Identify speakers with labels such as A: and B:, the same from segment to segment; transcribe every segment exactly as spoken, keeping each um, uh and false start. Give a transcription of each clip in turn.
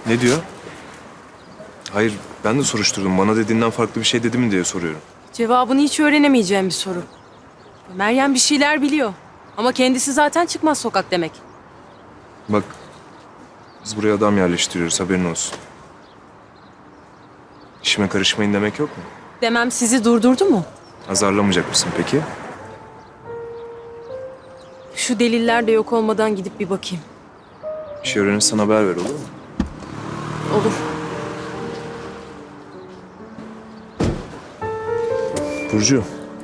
A: Ne diyor? Hayır, ben de soruşturdum. Bana dediğinden farklı bir şey dedi mi diye soruyorum.
B: Cevabını hiç öğrenemeyeceğim bir soru. Meryem bir şeyler biliyor. Ama kendisi zaten çıkmaz sokak demek.
A: Bak, biz buraya adam yerleştiriyoruz, haberin olsun. İşime karışmayın demek yok mu?
B: Demem sizi durdurdu mu?
A: Azarlamayacak mısın peki?
B: Şu deliller de yok olmadan gidip bir bakayım.
A: Bir şey öğrenirsen haber ver, olur mu?
B: Olur.
A: Burcu.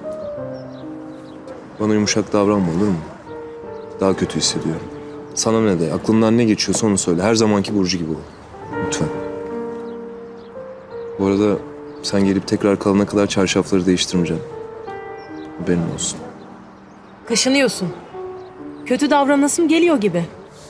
A: Bana yumuşak davranma, olur mu? Daha kötü hissediyorum. Sana ne de, aklından ne geçiyorsa onu söyle. Her zamanki Burcu gibi ol. Lütfen. Bu arada sen gelip tekrar kalana kadar çarşafları değiştirmeyeceğim. Haberin olsun.
B: Kaşınıyorsun. Kötü davranasım geliyor gibi.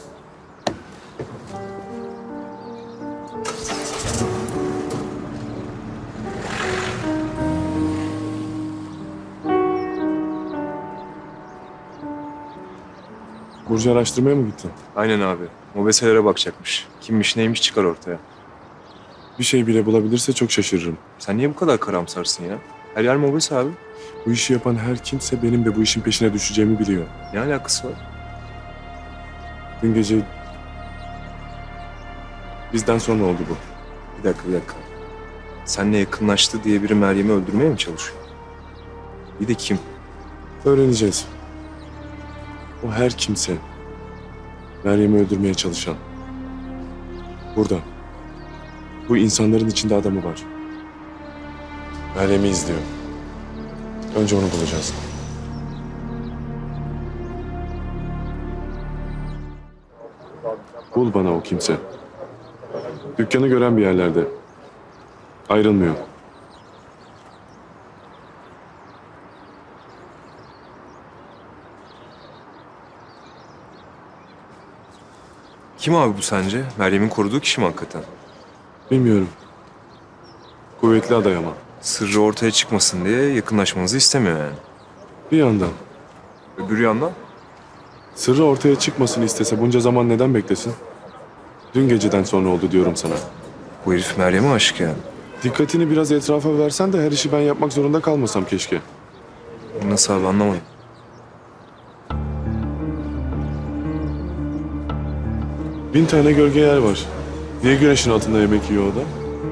C: Burcu araştırmaya mı gittin?
A: Aynen abi. Mobeselere bakacakmış. Kimmiş neymiş çıkar ortaya.
C: Bir şey bile bulabilirse çok şaşırırım.
A: Sen niye bu kadar karamsarsın ya? Her yer mobese abi.
C: Bu işi yapan her kimse benim de bu işin peşine düşeceğimi biliyor.
A: Ne alakası var?
C: Dün gece bizden sonra oldu bu.
A: Bir dakika bir dakika. Seninle yakınlaştı diye biri Meryem'i öldürmeye mi çalışıyor? Bir de kim?
C: Öğreneceğiz. O her kimse Meryem'i öldürmeye çalışan. Burada. Bu insanların içinde adamı var. Meryem'i izliyor. Önce onu bulacağız. Bul bana o kimse. Dükkanı gören bir yerlerde. Ayrılmıyor.
A: Kim abi bu sence? Meryem'in koruduğu kişi mi hakikaten?
C: Bilmiyorum. Kuvvetli aday ama.
A: Sırrı ortaya çıkmasın diye yakınlaşmanızı istemiyor yani.
C: Bir yandan.
A: Öbür yandan?
C: Sırrı ortaya çıkmasını istese bunca zaman neden beklesin? Dün geceden sonra oldu diyorum sana.
A: Bu herif Meryem'e aşık yani.
C: Dikkatini biraz etrafa versen de her işi ben yapmak zorunda kalmasam keşke.
A: Nasıl abi anlamadım.
C: Bin tane gölge yer var. Niye güneşin altında yemek yiyor o da?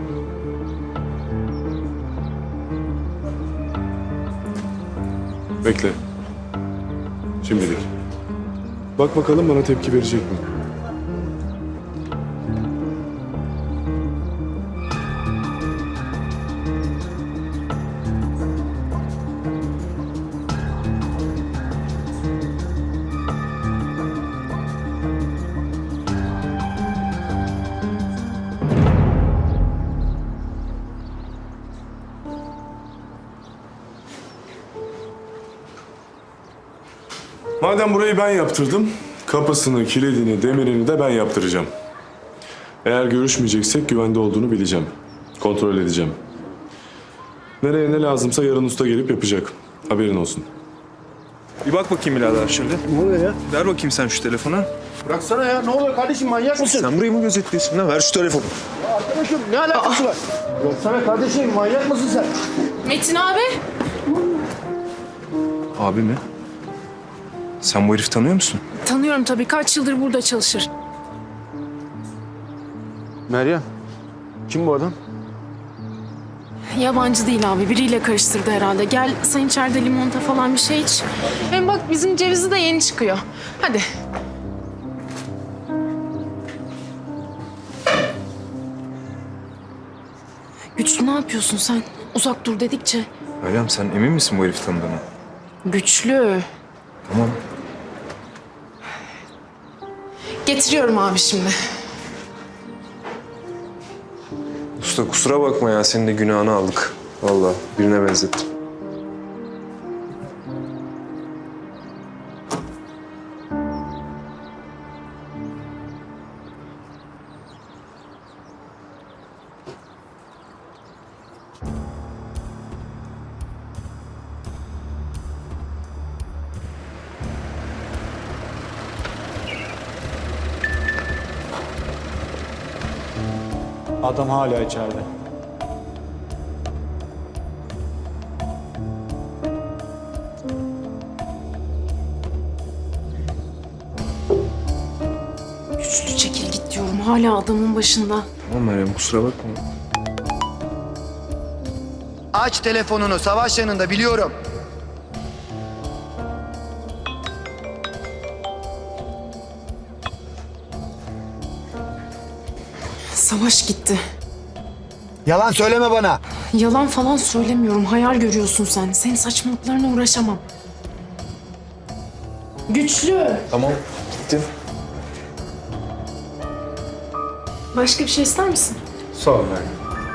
C: Bekle. Şimdilik. Bak bakalım bana tepki verecek mi? Madem burayı ben yaptırdım, kapısını, kilidini, demirini de ben yaptıracağım. Eğer görüşmeyeceksek güvende olduğunu bileceğim. Kontrol edeceğim. Nereye ne lazımsa yarın usta gelip yapacak. Haberin olsun.
A: Bir bak bakayım birader şöyle.
D: Ne oluyor ya?
A: Ver bakayım sen şu telefonu.
D: Bıraksana ya. Ne oluyor kardeşim, manyak mısın?
A: Sen burayı mı gözetliyorsun lan? Ver şu telefonu.
D: Ya arkadaşım ne alakası var? Bıraksana kardeşim, manyak mısın sen?
B: Metin abi.
A: Abi mi? Sen bu herifi tanıyor musun?
E: Tanıyorum tabii. Kaç yıldır burada çalışır.
D: Meryem. Kim bu adam?
E: Yabancı değil abi. Biriyle karıştırdı herhalde. Gel sen içeride limonata falan bir şey iç. Hem bak bizim cevizi de yeni çıkıyor. Hadi. Güçlü ne yapıyorsun sen? Uzak dur dedikçe.
A: Meryem sen emin misin bu herifi tanıdığına?
E: Güçlü.
A: Tamam.
E: Getiriyorum abi şimdi.
A: Usta kusura bakma ya senin de günahını aldık. Vallahi birine benzettim.
F: Adam hala içeride.
E: Güçlü çekil git diyorum. Hala adamın başında.
A: Tamam Meryem, kusura bakma.
D: Aç telefonunu, savaş yanında biliyorum.
E: Savaş gitti.
D: Yalan söyleme bana.
E: Yalan falan söylemiyorum. Hayal görüyorsun sen. Senin saçmalıklarına uğraşamam. Güçlü.
A: Tamam, gittim.
E: Başka bir şey ister misin?
A: Sağ ol Meryem.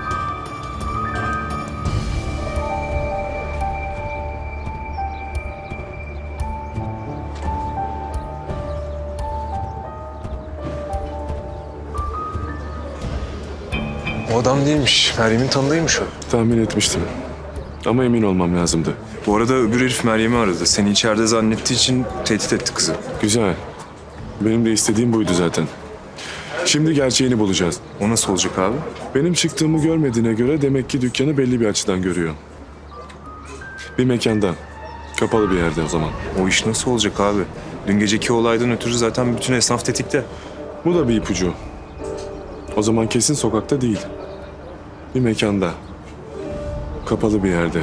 A: O adam değilmiş. Meryem'in tanıdığıymış o.
C: Tahmin etmiştim. Ama emin olmam lazımdı.
A: Bu arada öbür herif Meryem'i aradı. Seni içeride zannettiği için tehdit etti kızı.
C: Güzel. Benim de istediğim buydu zaten. Şimdi gerçeğini bulacağız.
A: O nasıl olacak abi?
C: Benim çıktığımı görmediğine göre demek ki dükkanı belli bir açıdan görüyor. Bir mekanda. Kapalı bir yerde o zaman.
A: O iş nasıl olacak abi? Dün geceki olaydan ötürü zaten bütün esnaf tetikte.
C: Bu da bir ipucu. O zaman kesin sokakta değil. Bir mekanda. Kapalı bir yerde.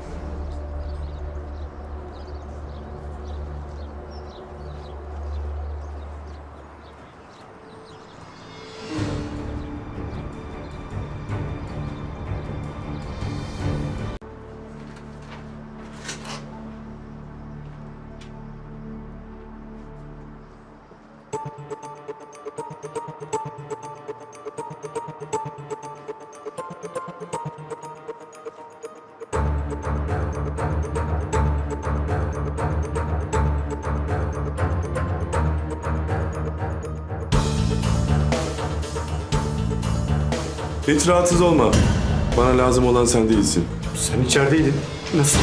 C: Hiç rahatsız olma. Bana lazım olan sen değilsin.
F: Sen içerideydin. Nasıl?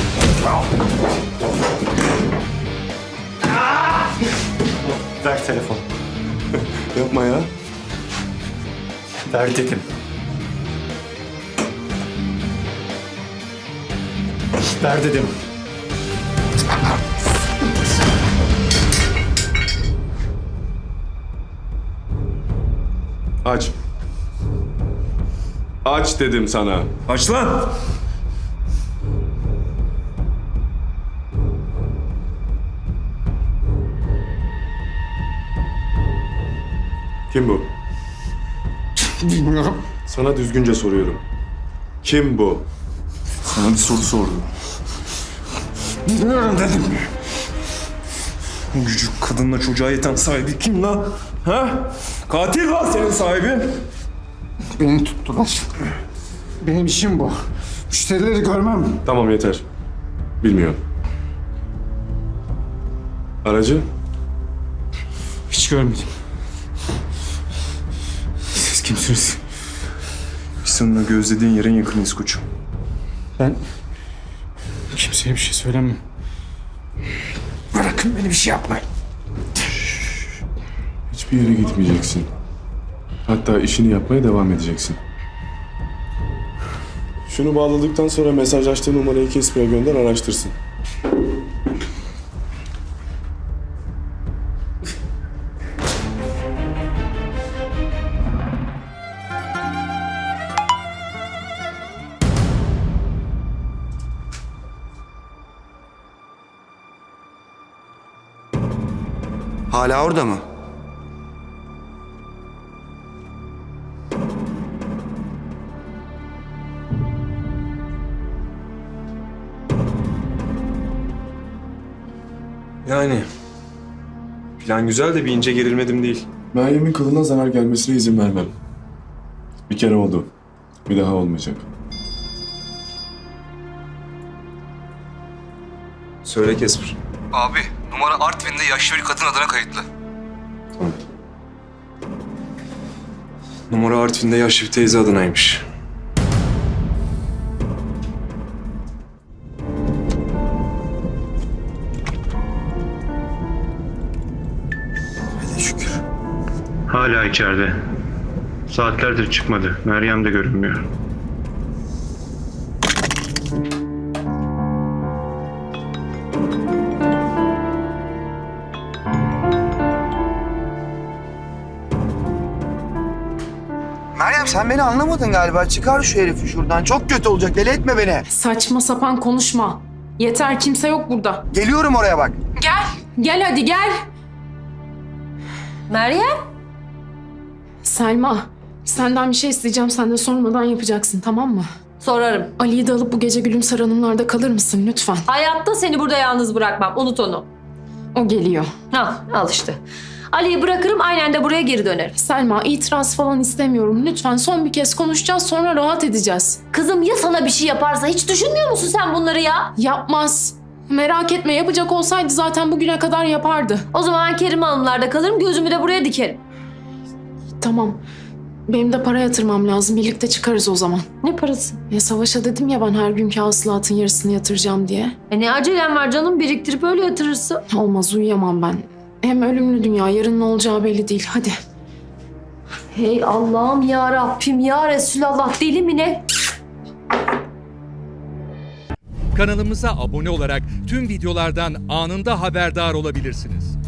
F: Ver telefonu.
C: Yapma ya.
F: Ver dedim. Ver dedim.
C: Aç. Aç dedim sana.
A: Aç lan!
C: Kim bu?
D: Bilmiyorum.
C: Sana düzgünce soruyorum. Kim bu?
A: Sana bir soru sordum.
D: Bilmiyorum dedim.
A: Bu gücü kadınla çocuğa yeten sahibi kim lan? Ha? Katil lan senin sahibin.
D: Beni tuttular. Benim işim bu. Müşterileri görmem.
C: Tamam yeter. Bilmiyorum. Aracı?
F: Hiç görmedim.
A: Siz kimsiniz? Biz seninle gözlediğin yerin yakınıyız koçum.
F: Ben kimseye bir şey söylemem.
D: Bırakın beni, bir şey yapmayın.
C: Hiçbir yere gitmeyeceksin. Hatta işini yapmaya devam edeceksin. Şunu bağladıktan sonra mesajlaştığı numarayı Kesper'e gönder, araştırsın.
D: Hala orada mı?
A: Yani plan güzel de bir ince gerilmedim değil.
C: Meryem'in kılına zarar gelmesine izin vermem. Bir kere oldu. Bir daha olmayacak.
A: Söyle Kesper.
G: Abi numara Artvin'de yaşlı bir kadın adına kayıtlı.
A: Numara Artvin'de yaşlı bir teyze adınaymış.
D: Hele şükür.
F: Hala içeride. Saatlerdir çıkmadı. Meryem de görünmüyor.
D: Meryem sen beni anlamadın galiba. Çıkar şu herifi şuradan. Çok kötü olacak. Deli etme beni.
E: Saçma sapan konuşma. Yeter, kimse yok burada.
D: Geliyorum oraya bak.
E: Gel. Gel hadi gel.
B: Meryem?
E: Selma, senden bir şey isteyeceğim. Sen de sormadan yapacaksın, tamam mı?
B: Sorarım.
E: Ali'yi de alıp bu gece Gülümser Hanımlar'da kalır mısın lütfen?
H: Hayatta seni burada yalnız bırakmam. Unut onu.
E: O geliyor.
H: Ha, al işte. Ali'yi bırakırım, aynen de buraya geri dönerim.
E: Selma, itiraz falan istemiyorum. Lütfen son bir kez konuşacağız, sonra rahat edeceğiz.
H: Kızım ya sana bir şey yaparsa hiç düşünmüyor musun sen bunları ya?
E: Yapmaz. Merak etme, yapacak olsaydı zaten bugüne kadar yapardı.
H: O zaman ben Kerim Hanımlar'da kalırım, gözümü de buraya dikerim.
E: Tamam. Benim de para yatırmam lazım. Birlikte çıkarız o zaman.
H: Ne parası?
E: Ya Savaş'a dedim ya ben her günkü hasılatın yarısını yatıracağım diye.
H: E ne acelem var canım, biriktirip öyle yatırırsın.
E: Olmaz, uyuyamam ben. Hem ölümlü dünya, yarın ne olacağı belli değil. Hadi.
H: Hey Allah'ım ya Rabbim ya Resulallah, deli mi ne?
I: Kanalımıza abone olarak tüm videolardan anında haberdar olabilirsiniz.